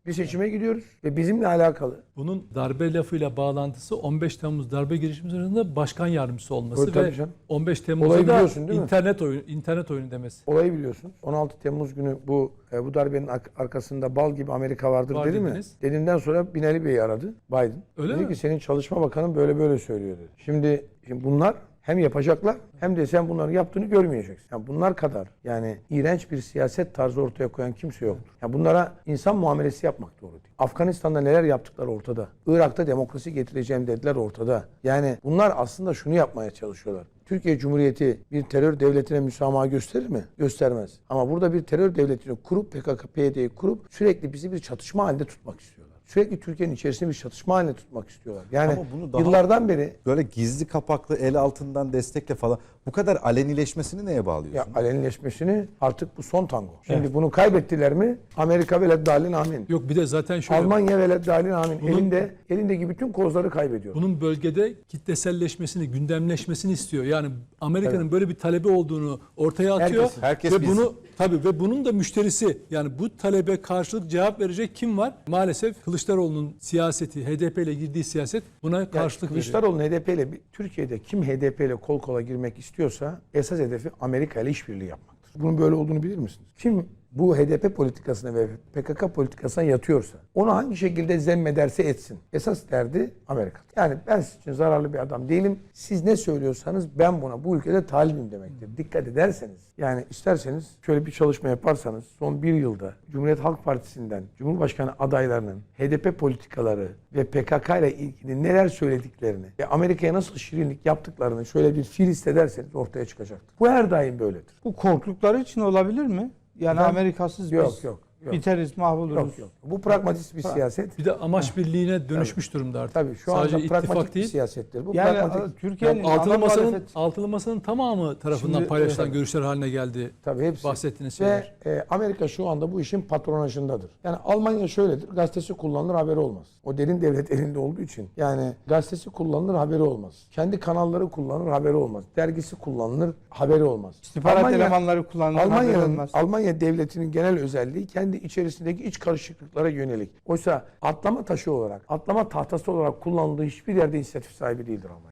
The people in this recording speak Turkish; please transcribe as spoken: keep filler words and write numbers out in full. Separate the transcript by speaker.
Speaker 1: Bir seçime gidiyoruz ve bizimle alakalı.
Speaker 2: Bunun darbe lafıyla bağlantısı on beş Temmuz darbe girişimi sırasında başkan yardımcısı olması
Speaker 1: Tabii
Speaker 2: ve
Speaker 1: canım.
Speaker 2: on beş
Speaker 1: Olayı
Speaker 2: Temmuz'da da
Speaker 1: biliyorsun, değil mi?
Speaker 2: internet oyunu internet oyunu demesi.
Speaker 1: Olayı biliyorsunuz. on altı Temmuz günü bu e, bu darbenin ar- arkasında bal gibi Amerika vardır
Speaker 2: Var
Speaker 1: dedi mi?
Speaker 2: dediniz.
Speaker 1: Dediğinden sonra Binali Bey'i aradı Biden.
Speaker 2: Öyle
Speaker 1: dedi
Speaker 2: mi?
Speaker 1: ki senin çalışma bakanın böyle böyle söylüyor dedi. Şimdi, şimdi bunlar hem yapacaklar hem de sen bunların yaptığını görmeyeceksin. Yani bunlar kadar yani iğrenç bir siyaset tarzı ortaya koyan kimse yoktur. Yani bunlara insan muamelesi yapmak doğru değil. Afganistan'da neler yaptıkları ortada. Irak'ta demokrasi getireceğim dediler ortada. Yani bunlar aslında şunu yapmaya çalışıyorlar. Türkiye Cumhuriyeti bir terör devletine müsamaha gösterir mi? Göstermez. Ama burada bir terör devletini kurup P K K P Y D'yi kurup sürekli bizi bir çatışma halinde tutmak istiyorlar. Sürekli Türkiye'nin içerisinde bir çatışma halinde tutmak istiyorlar. Yani
Speaker 3: Ama bunu daha
Speaker 1: yıllardan beri
Speaker 3: böyle gizli kapaklı el altından destekle falan bu kadar alenileşmesini neye
Speaker 1: ya
Speaker 3: bağlıyorsun?
Speaker 1: alenileşmesini artık bu son tango. Şimdi bunu kaybettiler mi? Amerika veleddallin amin.
Speaker 2: Yok bir de zaten şöyle
Speaker 1: Almanya veleddallin amin.
Speaker 2: Bunun-
Speaker 1: elinde elindeki bütün kozları kaybediyor.
Speaker 2: bunun bölgede kitleselleşmesini, gündemleşmesini istiyor. Yani Amerika'nın böyle bir talebi olduğunu ortaya atıyor.
Speaker 1: Herkesin.
Speaker 3: Herkes
Speaker 2: ve
Speaker 3: bilsin.
Speaker 2: bunu tabii ve bunun da müşterisi yani bu talebe karşılık cevap verecek kim var? Maalesef Kılıçdaroğlu'nun siyaseti, H D P ile girdiği siyaset buna
Speaker 1: Yani
Speaker 2: karşılık veriyor.
Speaker 1: Kılıçdaroğlu'nun H D P ile Türkiye'de kim H D P ile kol kola girmek istiyorsa esas hedefi Amerika ile işbirliği yapmaktır. Bunun böyle olduğunu bilir misiniz? Kim bu H D P politikasına ve P K K politikasına yatıyorsa onu hangi şekilde zemmederse etsin. Esas derdi Amerika. Yani ben sizin için zararlı bir adam değilim. Siz ne söylüyorsanız ben buna bu ülkede talibim demektir. Dikkat ederseniz yani isterseniz şöyle bir çalışma yaparsanız son bir yılda Cumhuriyet Halk Partisi'nden Cumhurbaşkanı adaylarının H D P politikaları ve P K K ile ilgili neler söylediklerini ve Amerika'ya nasıl şirinlik yaptıklarını şöyle bir fiil ederseniz ortaya çıkacaktır. Bu her daim böyledir.
Speaker 4: Bu korktukları için olabilir mi? Yani
Speaker 1: Ben-
Speaker 4: Amerikasız
Speaker 1: Yok
Speaker 4: biz
Speaker 1: yok. Yok.
Speaker 4: biteriz, mahvoluruz.
Speaker 1: Yok yok. Bu pragmatist bir siyaset.
Speaker 2: Bir de amaç birliğine dönüşmüş durumda artık.
Speaker 1: Tabii şu
Speaker 2: Sadece
Speaker 1: anda
Speaker 2: ittifak
Speaker 1: pragmatik bir
Speaker 2: değil.
Speaker 1: siyasettir. Bu
Speaker 4: Yani
Speaker 1: pragmatik.
Speaker 4: Türkiye'nin
Speaker 2: Yani altılı
Speaker 4: ana
Speaker 2: masanın
Speaker 4: muhalefet-
Speaker 2: altılı masanın tamamı tarafından
Speaker 1: Şimdi,
Speaker 2: paylaşılan
Speaker 1: evet.
Speaker 2: görüşler haline geldi.
Speaker 1: Tabii hepsi.
Speaker 2: Bahsettiğiniz
Speaker 1: Ve
Speaker 2: şeyler.
Speaker 1: e, Amerika şu anda bu işin patronajındadır. Yani Almanya şöyledir. Gazetesi kullanılır haberi olmaz. O derin devlet elinde olduğu için. Yani gazetesi kullanılır haberi olmaz. Kendi kanalları kullanılır haberi olmaz. Dergisi kullanılır haberi olmaz.
Speaker 4: İstihbarat elemanları kullanılır, haberi
Speaker 1: Almanya'nın
Speaker 4: olmaz.
Speaker 1: Almanya devletinin genel özelliği kendi içerisindeki iç karışıklıklara yönelik. Oysa atlama taşı olarak, atlama tahtası olarak kullanıldığı hiçbir yerde inisiyatif sahibi değildir Almanya.